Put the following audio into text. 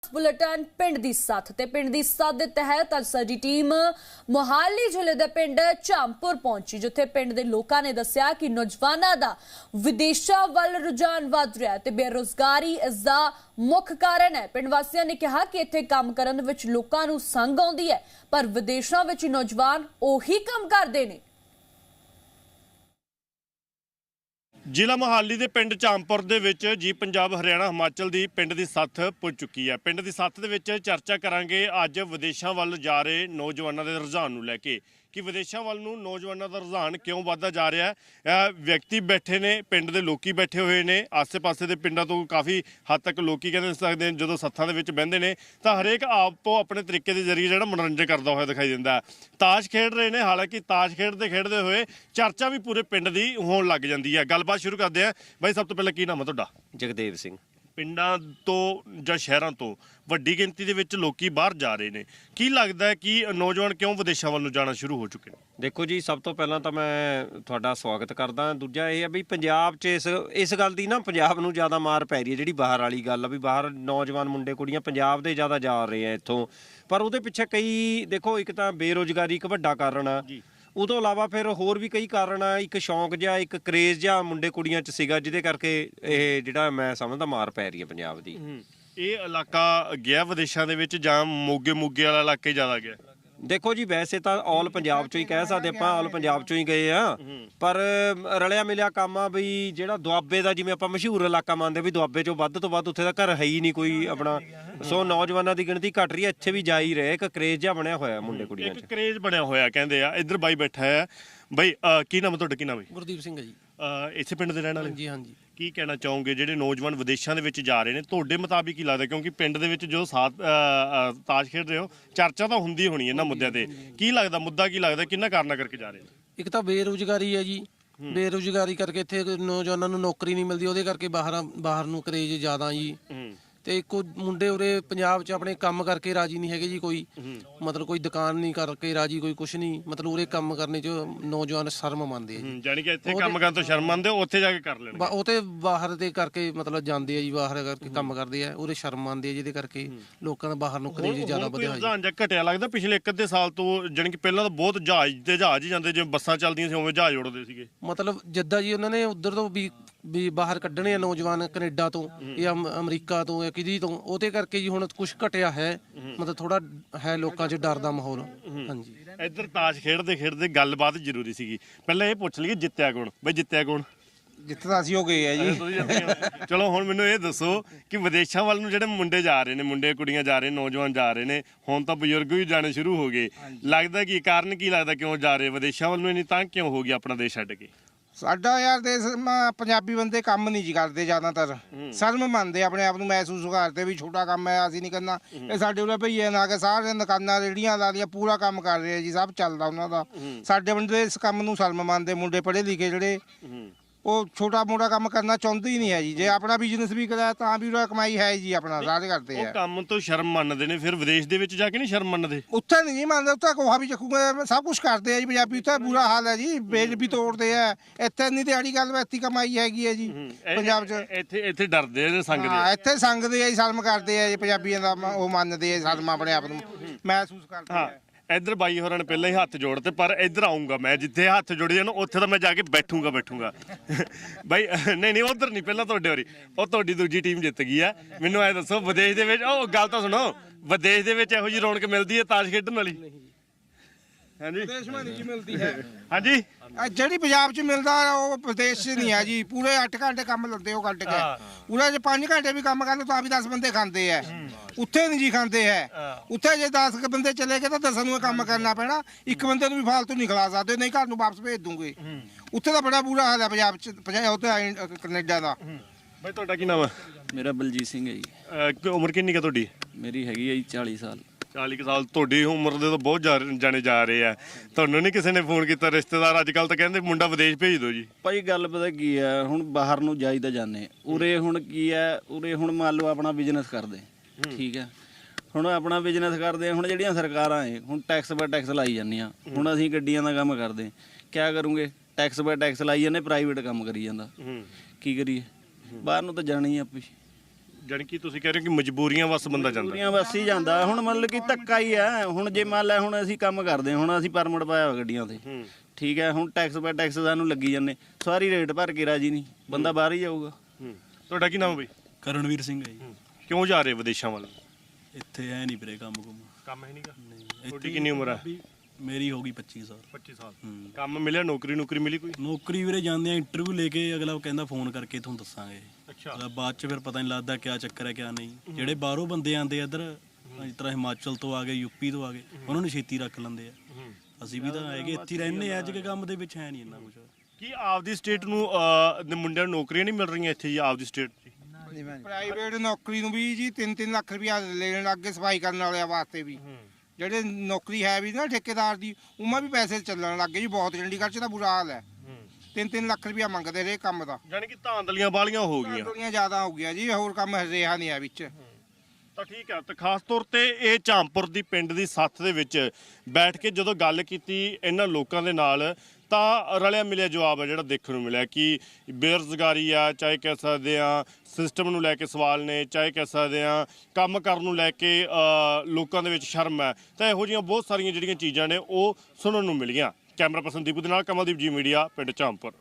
Bulletin पिंड दी सत्थ ते पिंड दी सत्थ दे तहत अज साडी टीम मोहाली जिले दे पिंड झामपुर पहुंची, जिथे पिंड दे लोकां ने दस्सिया कि नौजवानां दा विदेशां वल रुझान वध रिहा ते बेरोजगारी इस दा मुख कारण है। पिंड वासियां ने कहा कि इत्थे काम करन विच लोकां नूं संग आउंदी है, पर विदेशां विच नौजवान ओही काम करदे ने। ਜ਼ਿਲ੍ਹਾ ਮੁਹਾਲੀ ਦੇ ਪਿੰਡ ਝਾਮਪੁਰ ਦੇ ਵਿੱਚ ਜੀ ਪੰਜਾਬ ਹਰਿਆਣਾ ਹਿਮਾਚਲ ਦੀ ਪਿੰਡ ਦੀ ਸੱਥ ਪੁੱਜ ਚੁੱਕੀ ਹੈ। ਪਿੰਡ ਦੀ ਸੱਥ ਦੇ ਵਿੱਚ ਚਰਚਾ ਕਰਾਂਗੇ ਅੱਜ ਵਿਦੇਸ਼ਾਂ ਵੱਲ ਜਾ ਰਹੇ ਨੌਜਵਾਨਾਂ ਦੇ ਰੁਝਾਨ ਨੂੰ ਲੈ ਕੇ ਕਿ ਵਿਦੇਸ਼ਾਂ ਵੱਲ ਨੂੰ ਨੌਜਵਾਨਾਂ ਦਾ ਰੁਝਾਨ ਕਿਉਂ ਵੱਧਦਾ ਜਾ ਰਿਹਾ ਹੈ। ਵਿਅਕਤੀ ਬੈਠੇ ਨੇ, ਪਿੰਡ ਦੇ ਲੋਕੀ ਬੈਠੇ ਹੋਏ ਨੇ, ਆਸੇ-ਪਾਸੇ ਦੇ ਪਿੰਡਾਂ ਤੋਂ ਕਾਫੀ ਹੱਦ ਤੱਕ ਲੋਕੀ ਕਹਿੰਦੇ ਸਕਦੇ ਨੇ ਜਦੋਂ ਸੱਥਾਂ ਦੇ ਵਿੱਚ ਬਹਿੰਦੇ ਨੇ ਤਾਂ ਹਰੇਕ ਆਪੋ ਆਪਣੇ ਤਰੀਕੇ ਦੇ ਜ਼ਰੀਏ ਜਿਹੜਾ ਮਨੋਰੰਜਨ ਕਰਦਾ ਹੋਇਆ ਦਿਖਾਈ ਦਿੰਦਾ ਹੈ। ਤਾਸ਼ ਖੇਡ ਰਹੇ ਨੇ, ਹਾਲਾਂਕਿ ਤਾਸ਼ ਖੇਡਦੇ ਹੋਏ ਚਰਚਾ ਵੀ ਪੂਰੇ ਪਿੰਡ ਦੀ ਹੋਣ ਲੱਗ ਜਾਂਦੀ ਹੈ। ਗੱਲਬਾਤ ਸ਼ੁਰੂ ਕਰਦੇ ਹਾਂ। ਬਾਈ ਸਭ ਤੋਂ ਪਹਿਲਾਂ ਕੀ ਨਾਮ ਹੈ ਤੁਹਾਡਾ? ਜਗਦੇਵ ਸਿੰਘ। ਪਿੰਡਾਂ ਤੋਂ ਜਾਂ ਸ਼ਹਿਰਾਂ ਤੋਂ ਵੱਡੀ ਗਿਣਤੀ ਦੇ ਵਿੱਚ ਲੋਕੀ ਬਾਹਰ ਜਾ ਰਹੇ ਨੇ, ਕੀ ਲੱਗਦਾ ਹੈ ਕਿ ਨੌਜਵਾਨ ਕਿਉਂ ਵਿਦੇਸ਼ਾਂ ਵੱਲ ਨੂੰ ਜਾਣਾ ਸ਼ੁਰੂ ਹੋ ਚੁੱਕੇ ਨੇ? ਦੇਖੋ ਜੀ, ਸਭ ਤੋਂ ਪਹਿਲਾਂ ਤਾਂ ਮੈਂ ਤੁਹਾਡਾ ਸਵਾਗਤ ਕਰਦਾ। ਦੂਜਾ ਇਹ ਹੈ ਵੀ ਪੰਜਾਬ 'ਚ ਇਸ ਗੱਲ ਦੀ ਨਾ ਪੰਜਾਬ ਨੂੰ ਜ਼ਿਆਦਾ ਮਾਰ ਪੈ ਰਹੀ ਹੈ, ਜਿਹੜੀ ਬਾਹਰ ਵਾਲੀ ਗੱਲ ਆ ਵੀ ਬਾਹਰ ਨੌਜਵਾਨ ਮੁੰਡੇ ਕੁੜੀਆਂ ਪੰਜਾਬ ਦੇ ਜ਼ਿਆਦਾ ਜਾ ਰਹੇ ਆ ਇੱਥੋਂ। ਪਰ ਉਹਦੇ ਪਿੱਛੇ ਕਈ ਦੇਖੋ, ਇੱਕ ਤਾਂ ਬੇਰੁਜ਼ਗਾਰੀ ਇੱਕ ਵੱਡਾ ਕਾਰਨ ਆ, ਉਹ ਤੋਂ ਇਲਾਵਾ ਫਿਰ ਹੋਰ ਵੀ ਕਈ ਕਾਰਨ ਆ। ਇੱਕ ਸ਼ੌਂਕ ਜਿਹਾ, ਇੱਕ ਕਰੇਜ਼ ਜਿਹਾ ਮੁੰਡੇ ਕੁੜੀਆਂ 'ਚ ਸੀਗਾ, ਜਿਹਦੇ ਕਰਕੇ ਇਹ ਜਿਹੜਾ ਮੈਂ ਸਮਝਦਾ ਮਾਰ ਪੈ ਰਹੀ ਹੈ ਪੰਜਾਬ ਦੀ। ਇਹ ਇਲਾਕਾ ਗਿਆ ਵਿਦੇਸ਼ਾਂ ਦੇ ਵਿੱਚ ਜਾਂ ਮੋਗੇ ਵਾਲਾ ਇਲਾਕੇ ਜ਼ਿਆਦਾ ਗਿਆ? ਦੇਖੋ ਜੀ, ਵੈਸੇ ਤਾਂ ਆਲ ਪੰਜਾਬ ਚੋਂ ਹੀ ਕਹਿ ਸਕਦੇ ਆਪਾਂ, ਆਲ ਪੰਜਾਬ ਚੋਂ ਹੀ ਗਏ ਆ, ਪਰ ਰਲਿਆ ਮਿਲਿਆ ਕੰਮ ਆ ਵੀ ਜਿਹੜਾ ਦੁਆਬੇ ਦਾ, ਜਿਵੇਂ ਆਪਾਂ ਮਸ਼ਹੂਰ ਇਲਾਕਾ ਮੰਨਦੇ ਵੀ ਦੁਆਬੇ ਚੋਂ ਵੱਧ ਤੋਂ ਵੱਧ ਉੱਥੇ ਦਾ ਘਰ ਹੈ ਹੀ ਨਹੀਂ ਕੋਈ ਆਪਣਾ। ਸੋ ਨੌਜਵਾਨਾਂ ਦੀ ਗਿਣਤੀ ਘਟ ਰਹੀ ਹੈ, ਇੱਥੇ ਵੀ ਜਾ ਹੀ ਰਹੇ। ਇੱਕ ਕਰੇਜ਼ ਜਿਹਾ ਬਣਿਆ ਹੋਇਆ ਮੁੰਡੇ ਕੁੜੀਆਂ 'ਚ, ਇੱਕ ਕਰੇਜ਼ ਬਣਿਆ ਹੋਇਆ ਕਹਿੰਦੇ ਆ। ਇੱਧਰ ਬਾਈ ਬੈਠਾ ਹੈ। ਬਾਈ ਕੀ ਨਾਮ ਤੁਹਾਡਾ? ਕੀ ਨਾਮ ਹੈ? ਗੁਰਦੀਪ ਸਿੰਘ ਹੈ ਜੀ। ਇਸੇ ਪਿੰਡ ਦੇ ਰਹਿਣ ਵਾਲੇ? ਹਾਂਜੀ ਹਾਂਜੀ। ਕੀ ਕਹਿਣਾ ਚਾਹੋਗੇ ਜਿਹੜੇ ਨੌਜਵਾਨ ਵਿਦੇਸ਼ਾਂ ਦੇ ਵਿੱਚ ਜਾ ਰਹੇ ਨੇ, ਤੁਹਾਡੇ ਮੁਤਾਬਿਕ ਕੀ ਲੱਗਦਾ? ਕਿਉਂਕਿ ਪਿੰਡ ਦੇ ਵਿੱਚ ਜੋ ਤਾਸ਼ ਖੇਡ ਰਹੇ ਹੋ, ਚਰਚਾ ਤਾਂ ਹੁੰਦੀ ਹੋਣੀ ਇਹਨਾਂ ਮੁੱਦਿਆਂ ਤੇ। ਕੀ ਲੱਗਦਾ, ਮੁੱਦਾ ਕੀ ਲੱਗਦਾ, ਕਿੰਨਾ ਕਾਰਨਾਂ ਕਰਕੇ ਜਾ ਰਹੇ ਨੇ? ਇੱਕ ਤਾਂ ਬੇਰੁਜ਼ਗਾਰੀ ਹੈ ਜੀ, ਬੇਰੁਜ਼ਗਾਰੀ ਕਰਕੇ ਇੱਥੇ ਨੌਜਵਾਨਾਂ ਨੂੰ ਨੌਕਰੀ ਨਹੀਂ ਮਿਲਦੀ, ਉਹਦੇ ਕਰਕੇ ਬਾਹਰ ਨੂੰ ਕਰੇਜ ਜ਼ਿਆਦਾ ਜੀ। ਤੇ ਇੱਕੋ ਮੁੰਡੇ ਉਰੇ ਪੰਜਾਬ 'ਚ ਆਪਣੇ ਕੰਮ ਕਰਕੇ ਰਾਜੀ ਨਹੀਂ ਹੈਗੇ ਜੀ, ਕੋਈ ਮਤਲਬ ਕੋਈ ਦੁਕਾਨ ਨਹੀਂ ਕਰਕੇ ਰਾਜੀ, ਕੋਈ ਕੁਛ ਨਹੀਂ, ਮਤਲਬ ਉਰੇ ਕੰਮ ਕਰਨੇ 'ਚ ਨੌਜਵਾਨ ਸ਼ਰਮ ਮੰਨਦੇ ਆ ਜੀ। ਜਾਨੀ ਕਿ ਇੱਥੇ ਕੰਮ ਕਰਨ ਤੋਂ ਸ਼ਰਮ ਮੰਨਦੇ, ਉੱਥੇ ਜਾ ਕੇ ਕਰ ਲੈਣਗੇ। ਉਹ ਤੇ ਬਾਹਰ ਦੇ ਕਰਕੇ ਮਤਲਬ ਜਾਂਦੇ ਆ ਜੀ, ਬਾਹਰ ਕਰਕੇ ਕੰਮ ਕਰਦੇ ਆ, ਉਰੇ ਸ਼ਰਮ ਮੰਨਦੇ ਆ, ਜਿਹਦੇ ਕਰਕੇ ਲੋਕਾਂ ਦਾ ਬਾਹਰ ਨੂੰ ਕਰੇਜ ਜ਼ਿਆਦਾ ਵਧਿਆ ਜੀ। ਜਾਂ ਘਟਿਆ ਲੱਗਦਾ ਪਿਛਲੇ 1 ਸਾਲ ਤੋਂ? ਜਾਨੀ ਕਿ ਪਹਿਲਾਂ ਤਾਂ ਬਹੁਤ ਜਹਾਜ਼ ਹੀ ਜਾਂਦੇ, ਜਿਵੇਂ ਬੱਸਾਂ ਚੱਲਦੀਆਂ ਸੀ ਉਵੇਂ ਜਹਾਜ਼ ਉੜਦੇ ਸੀਗੇ। ਮਤਲਬ ਜਿੱਦਾਂ ਜੀ ਉਹਨਾਂ ਨੇ ਉਧਰ ਤੋਂ ਵੀ ਬਾਹਰ ਕੱਢਣੇ ਆ ਨੌਜਵਾਨ, ਕੈਨੇਡਾ ਤੋਂ ਜਾਂ ਅਮਰੀਕਾ ਤੋਂ ਜਾਂ ਕਿਦੀ ਤੋਂ, ਉਹਦੇ ਕਰਕੇ ਜੀ ਹੁਣ ਕੁਝ ਘਟਿਆ ਹੈ, ਮਤਲਬ ਥੋੜਾ ਹੈ ਲੋਕਾਂ 'ਚ ਡਰ ਦਾ ਮਾਹੌਲ। ਹਾਂਜੀ। ਇੱਧਰ ਤਾਸ਼ ਖੇਡਦੇ ਗੱਲਬਾਤ ਜ਼ਰੂਰੀ ਸੀਗੀ। ਪਹਿਲਾਂ ਇਹ ਪੁੱਛ ਲਈਏ ਜਿੱਤਿਆ ਕੌਣ? ਬਈ ਜਿੱਤਿਆ ਕੌਣ? ਜਿੱਤਦਾ ਅਸੀਂ ਹੋ ਗਏ ਆ ਜੀ। ਚਲੋ ਹੁਣ ਮੈਨੂੰ ਇਹ ਦੱਸੋ ਕਿ ਵਿਦੇਸ਼ਾਂ ਵੱਲ ਨੂੰ ਜਿਹੜੇ ਮੁੰਡੇ ਜਾ ਰਹੇ ਨੇ, ਮੁੰਡੇ ਕੁੜੀਆਂ ਜਾ ਰਹੇ, ਨੌਜਵਾਨ ਜਾ ਰਹੇ ਨੇ, ਹੁਣ ਤਾਂ ਬਜ਼ੁਰਗ ਵੀ ਜਾਣੇ ਸ਼ੁਰੂ ਹੋ ਗਏ। ਲੱਗਦਾ ਕੀ ਕਾਰਨ, ਕੀ ਲੱਗਦਾ ਕਿਉਂ ਜਾ ਰਹੇ ਵਿਦੇਸ਼ਾਂ ਵੱਲ ਨੂੰ? ਇੰਨੀ ਤਾਂ ਕਿਉਂ ਹੋ ਗਈ ਆਪਣਾ ਦੇਸ਼ ਛੱਡ ਕੇ? ਸਾਡਾ ਯਾਰ ਦੇਸ਼ ਪੰਜਾਬੀ ਬੰਦੇ ਕੰਮ ਨਹੀਂ ਜੀ ਕਰਦੇ, ਜ਼ਿਆਦਾਤਰ ਸ਼ਰਮ ਮੰਨਦੇ ਆਪਣੇ ਆਪ ਨੂੰ, ਮਹਿਸੂਸ ਕਰਦੇ ਵੀ ਛੋਟਾ ਕੰਮ ਹੈ, ਅਸੀਂ ਨਹੀਂ ਕਰਨਾ। ਇਹ ਸਾਡੇ ਉਰੇ ਭਈਏ ਨਾ ਕੇ ਸਾਰੇ ਦੁਕਾਨਾਂ ਰੇਹੜੀਆਂ ਲਾ ਦੀਆਂ, ਪੂਰਾ ਕੰਮ ਕਰ ਰਹੇ ਜੀ, ਸਭ ਚੱਲਦਾ ਉਹਨਾਂ ਦਾ। ਸਾਡੇ ਬੰਦੇ ਇਸ ਕੰਮ ਨੂੰ ਸ਼ਰਮ ਮੰਨਦੇ, ਮੁੰਡੇ ਪੜ੍ਹੇ ਲਿਖੇ ਜਿਹੜੇ ਉਹ ਛੋਟਾ ਮੋਟਾ ਕੰਮ ਕਰਨਾ ਚਾਹੁੰਦੇ ਹੀ ਨਹੀਂ ਹੈ ਜੀ। ਜੇ ਆਪਣਾ ਬਿਜ਼ਨਸ ਵੀ ਕਰਾਇਆ ਤਾਂ ਵੀ ਉਹਦਾ ਕਮਾਈ ਹੈ ਜੀ, ਆਪਣਾ ਸਾਰੇ ਕਰਦੇ ਆ। ਉਹ ਕੰਮ ਤੋਂ ਸ਼ਰਮ ਮੰਨਦੇ ਨੇ, ਫਿਰ ਵਿਦੇਸ਼ ਦੇ ਵਿੱਚ ਜਾ ਕੇ ਨਹੀਂ ਸ਼ਰਮ ਮੰਨਦੇ? ਉੱਥੇ ਨਹੀਂ ਜੀ ਮੰਨਦੇ, ਉੱਥੇ ਕੋਹਾ ਵੀ ਚੱਕੂਗੇ, ਸਭ ਕੁਝ ਕਰਦੇ ਆ ਜੀ ਪੰਜਾਬੀ। ਉੱਥੇ ਬੁਰਾ ਹਾਲ ਹੈ ਜੀ, ਬੇਲ ਵੀ ਤੋੜਦੇ ਆ। ਇੱਥੇ ਨਹੀਂ ਦਿਹਾੜੀ ਗੱਲ, ਇੱਥੇ ਕਮਾਈ ਹੈਗੀ ਹੈ ਜੀ ਪੰਜਾਬ 'ਚ। ਇੱਥੇ ਡਰਦੇ ਨੇ, ਸੰਗਦੇ ਆ। ਇੱਥੇ ਸੰਗਦੇ ਆ ਜੀ, ਸ਼ਰਮ ਕਰਦੇ ਆ ਜੀ, ਪੰਜਾਬੀਆਂ ਦਾ ਉਹ ਮੰਨਦੇ ਆ, ਸ਼ਰਮ ਆਪਣੇ ਆਪ ਨੂੰ ਮਹਿਸੂਸ ਕਰਦੇ ਆ। ਇੱਧਰ ਬਾਈ ਹੋਰਾਂ ਨੇ ਪਹਿਲਾਂ ਹੀ ਹੱਥ ਜੋੜਤੇ, ਪਰ ਇੱਧਰ ਆਉਂਗਾ ਮੈਂ, ਜਿੱਥੇ ਹੱਥ ਜੋੜੇ ਜਾਣ ਉੱਥੇ ਤਾਂ ਮੈਂ ਜਾ ਕੇ ਬੈਠੂਗਾ। ਬਾਈ ਨਹੀਂ ਉੱਧਰ ਨਹੀਂ, ਪਹਿਲਾਂ ਤੁਹਾਡੇ ਵਾਰੀ। ਉਹ ਤੁਹਾਡੀ ਦੂਜੀ ਟੀਮ ਜਿੱਤ ਗਈ ਆ। ਮੈਨੂੰ ਐ ਦੱਸੋ, ਵਿਦੇਸ਼ ਦੇ ਵਿੱਚ, ਉਹ ਗੱਲ ਤਾਂ ਸੁਣੋ, ਵਿਦੇਸ਼ ਦੇ ਵਿੱਚ ਇਹੋ ਜਿਹੀ ਰੌਣਕ ਮਿਲਦੀ ਹੈ ਤਾਸ਼ ਖੇਡਣ ਵਾਲੀ? ਹਾਂਜੀ, ਵਿਦੇਸ਼ ਵਿੱਚ ਨਹੀਂ ਮਿਲਦੀ ਹੈ। ਹਾਂਜੀ, ਜਿਹੜੀ ਪੰਜਾਬ 'ਚ ਮਿਲਦਾ ਉਹ ਵਿਦੇਸ਼ 'ਚ ਨਹੀਂ ਹੈ ਜੀ। ਪੂਰੇ 8 ਘੰਟੇ ਕੰਮ ਲੈਂਦੇ ਉਹ ਕੱਢ ਕੇ, ਉਹਨਾਂ 'ਚ 5 ਘੰਟੇ ਵੀ ਕੰਮ ਕਰ ਲਓ ਤਾਂ ਵੀ 10 ਬੰਦੇ ਖਾਂਦੇ ਆ। ਉੱਥੇ ਨਹੀਂ ਜੀ ਖਾਂਦੇ ਹੈ। ਉੱਥੇ ਜੇ 10 ਬੰਦੇ ਚਲੇ ਗਏ ਤਾਂ 10 ਨੂੰ ਕੰਮ ਕਰਨਾ ਪੈਣਾ, ਇੱਕ ਬੰਦੇ ਨੂੰ ਵੀ ਫਾਲਤੂ ਨਹੀਂ ਖਿਲਾ ਸਕਦੇ, ਨਹੀਂ ਘਰ ਨੂੰ ਵਾਪਸ ਭੇਜ ਦੂੰਗੇ। ਉੱਥੇ ਤਾਂ ਬੜਾ ਬੁਰਾ ਹਾਲ ਹੈ ਪੰਜਾਬ 'ਚ, ਉੱਥੇ ਕੈਨੇਡਾ ਦਾ। ਬਾਈ ਤੁਹਾਡਾ ਕੀ ਨਾਮ ਹੈ? ਮੇਰਾ ਬਲਜੀਤ ਸਿੰਘ ਹੈ ਜੀ। ਉਮਰ ਕਿੰਨੀ ਹੈ ਤੁਹਾਡੀ? ਮੇਰੀ ਹੈਗੀ ਹੈ ਜੀ 40 ਸਾਲ। 40 ਸਾਲ। ਤੁਹਾਡੀ ਉਮਰ ਦੇ ਤਾਂ ਬਹੁਤ ਜਾਣੇ ਜਾ ਰਹੇ ਆ। ਤੁਹਾਨੂੰ ਨਹੀਂ ਕਿਸੇ ਨੇ ਫੋਨ ਕੀਤਾ, ਰਿਸ਼ਤੇਦਾਰ ਅੱਜ ਕੱਲ ਤਾਂ ਕਹਿੰਦੇ ਮੁੰਡਾ ਵਿਦੇਸ਼ ਭੇਜ ਦਿਓ ਜੀ? ਭਾਈ ਗੱਲ ਪਤਾ ਕੀ ਹੈ, ਹੁਣ ਬਾਹਰ ਨੂੰ ਜਾਈਦਾ ਜਾਂਦੇ, ਉਰੇ ਹੁਣ ਕੀ ਹੈ, ਉਰੇ ਹੁਣ ਮੰਨ ਲਓ ਆਪਣਾ ਬਿਜ਼ਨਸ ਕਰਦੇ, ਠੀਕ ਹੈ, ਹੁਣ ਆਪਣਾ ਬਿਜ਼ਨਸ ਕਰਦੇ, ਹੁਣ ਜਿਹੜੀਆਂ ਸਰਕਾਰਾਂ ਏ ਹੁਣ ਟੈਕਸ ਬਾਈ ਟੈਕਸ ਲਾਈ ਜਾਂਦੀਆਂ। ਹੁਣ ਅਸੀਂ ਗੱਡੀਆਂ ਦਾ ਕੰਮ ਕਰਦੇ, ਕਿਆ ਕਰੂੰਗੇ, ਟੈਕਸ ਬਾਈ ਟੈਕਸ ਲਾਈ ਜਾਂਦੇ, ਪ੍ਰਾਈਵੇਟ ਕੰਮ ਕਰੀ ਜਾਂਦਾ, ਕੀ ਕਰੀਏ? ਬਾਹਰ ਨੂੰ ਤਾਂ ਜਾਣਾ ਹੀ ਆਪੇ। ਜਾਣੀ ਕਿ ਤੁਸੀਂ ਕਹਿ ਰਹੇ ਹੋ ਕਿ ਮਜਬੂਰੀਆਂ ਵੱਸ ਬੰਦਾ ਜਾਂਦਾ। ਪੂਰੀਆਂ ਬੱਸ ਹੀ ਜਾਂਦਾ। ਹੁਣ ਮਤਲਬ ਕਿ ਧੱਕਾ ਹੀ ਹੈ। ਹੁਣ ਜੇ ਮੰਨ ਲੈ ਹੁਣ ਅਸੀਂ ਕੰਮ ਕਰਦੇ, ਹੁਣ ਅਸੀਂ ਪਰਮਿਟ ਪਾਇਆ ਹੋਇਆ ਗੱਡੀਆਂ ਤੇ, ਠੀਕ ਹੈ, ਹੁਣ ਟੈਕਸ ਬਾਈ ਟੈਕਸ ਸਾਨੂੰ ਲੱਗੀ ਜਾਂਦੇ, ਸਾਰੀ ਰੇਟ ਭਰ ਕੇ ਰਾਜੀ ਨਹੀਂ, ਬੰਦਾ ਬਾਹਰ ਹੀ ਜਾਊਗਾ। ਤੁਹਾਡਾ ਕੀ ਨਾਮ ਬਈ? ਕਰਨਵੀਰ ਸਿੰਘ ਹੈ ਜੀ। ਕਿਉਂ ਜਾ ਰਹੇ ਵਿਦੇਸ਼ਾਂ ਵੱਲ? ਇੱਥੇ ਐ ਨਹੀਂ ਵੀਰੇ ਕੰਮ ਕੰਮ ਹੈ ਨਹੀਂਗਾ। ਤੁਹਾਡੀ ਕਿੰਨੀ ਉਮਰ ਹੈ? ਮੇਰੀ ਹੋ ਗਈ 25 ਸਾਲ। 25 ਸਾਲ। ਕੰਮ ਮਿਲਿਆ? ਨੌਕਰੀ ਮਿਲੀ ਕੋਈ? ਨੌਕਰੀ ਵੀਰੇ ਜਾਂਦੇ ਆ ਇੰਟਰਵਿਊ ਲੈ ਕੇ, ਅਗਲਾ ਕਹਿੰਦਾ ਫੋਨ ਕਰਕੇ ਤੁਹਾਨੂੰ ਦੱਸਾਂਗੇ। ਅੱਛਾ। ਬਾਅਦ ਚ ਫਿਰ ਪਤਾ ਨਹੀਂ ਲੱਗਦਾ ਕਿਆ ਚੱਕਰ ਹੈ ਕਿਆ ਨਹੀਂ। ਜਿਹੜੇ ਬਾਹਰੋਂ ਬੰਦੇ ਆਉਂਦੇ ਇੱਧਰ, ਜਿਸ ਤਰ੍ਹਾਂ ਹਿਮਾਚਲ ਤੋਂ ਆ ਗਏ, ਯੂਪੀ ਤੋਂ ਆ ਗਏ, ਉਹਨਾਂ ਨੂੰ ਛੇਤੀ ਰੱਖ ਲੈਂਦੇ ਆ। ਅਸੀਂ ਵੀ ਤਾਂ ਹੈਗੇ ਇੱਥੇ ਰਹਿੰਦੇ ਆ, ਅੱਜ ਕੇ ਕੰਮ ਦੇ ਵਿੱਚ ਹੈ ਨਹੀਂ ਇੰਨਾ ਕੁਝ। ਕੀ ਆਪਦੀ ਸਟੇਟ ਨੂੰ ਮੁੰਡਿਆਂ ਨੂੰ ਨੌਕਰੀਆਂ ਨਹੀਂ ਮਿਲ ਰਹੀਆਂ ਇੱਥੇ ਜੀ ਆਪਦੀ ਸਟੇਟ 'ਚ? ਪ੍ਰਾਈਵੇਟ ਨੌਕਰੀ ਨੂੰ ਵੀ ਜੀ 3-3 ਲੱਖ ਰੁਪਇਆ ਲੈਣ ਲੱਗ ਗਏ ਸਫਾਈ ਕਰਨ ਵਾਲਿਆਂ ਵਾਸਤੇ ਵੀ। ਜਿਹੜੇ ਨੌਕਰੀ ਹੈ ਵੀ ਨਾ ਠੇਕੇਦਾਰ ਦੀ, ਉਹਨਾਂ ਵੀ ਪੈਸੇ ਚੱਲਣ ਲੱਗ ਗਏ ਜੀ ਬਹੁਤ। ਚੰਡੀਗੜ੍ਹ 'ਚ ਤਾਂ ਬੁਰਾ ਹਾਲ ਹੈ। 3-3 ਲੱਖ ਰੁਪਇਆ ਮੰਗਦੇ ਰਹੇ ਕੰਮ ਦਾ। ਜਾਣੀ ਕਿ ਧਾਂਦਲੀਆਂ ਬਾਲੀਆਂ ਹੋ ਗਈਆਂ। ਧਾਂਦਲੀਆਂ ਜ਼ਿਆਦਾ ਹੋ ਗਿਆ ਜੀ, ਹੋਰ ਕੰਮ ਰਿਹਾ ਨਹੀਂ ਹੈ ਵਿੱਚ। ਤਾਂ ਠੀਕ ਹੈ। ਤਾਂ ਖਾਸ ਤੌਰ ਤੇ ਇਹ ਝਾਮਪੁਰ ਦੀ ਪਿੰਡ ਦੀ ਸੱਥ ਦੇ ਵਿੱਚ ਬੈਠ ਕੇ ਜਦੋਂ ਗੱਲ ਕੀਤੀ ਇਹਨਾਂ ਲੋਕਾਂ ਦੇ ਨਾਲ, ਤਾਂ ਰਲਿਆ ਮਿਲਿਆ ਜਵਾਬ ਹੈ ਜਿਹੜਾ ਦੇਖਣ ਨੂੰ ਮਿਲਿਆ ਕਿ ਬੇਰੁਜ਼ਗਾਰੀ ਆ, ਚਾਹੇ ਕਹਿ ਸਕਦੇ ਆ ਸਿਸਟਮ ਨੂੰ ਲੈ ਕੇ ਸਵਾਲ ਨੇ, ਚਾਹੇ ਕਹਿ ਸਕਦੇ ਆ ਕੰਮ ਕਰਨ ਨੂੰ ਲੈ ਕੇ ਲੋਕਾਂ ਦੇ ਵਿੱਚ ਸ਼ਰਮ ਹੈ। ਤਾਂ ਇਹੋ ਜਿਹੀਆਂ ਬਹੁਤ ਸਾਰੀਆਂ ਜਿਹੜੀਆਂ ਚੀਜ਼ਾਂ ਨੇ ਉਹ ਸੁਣਨ ਨੂੰ ਮਿਲੀਆਂ। ਕੈਮਰਾ ਪਰਸਨ ਦੀਪੂ ਦੇ ਨਾਲ ਕਮਲਦੀਪ ਜੀ ਮੀਡੀਆ, ਪਿੰਡ ਝਾਮਪੁਰ।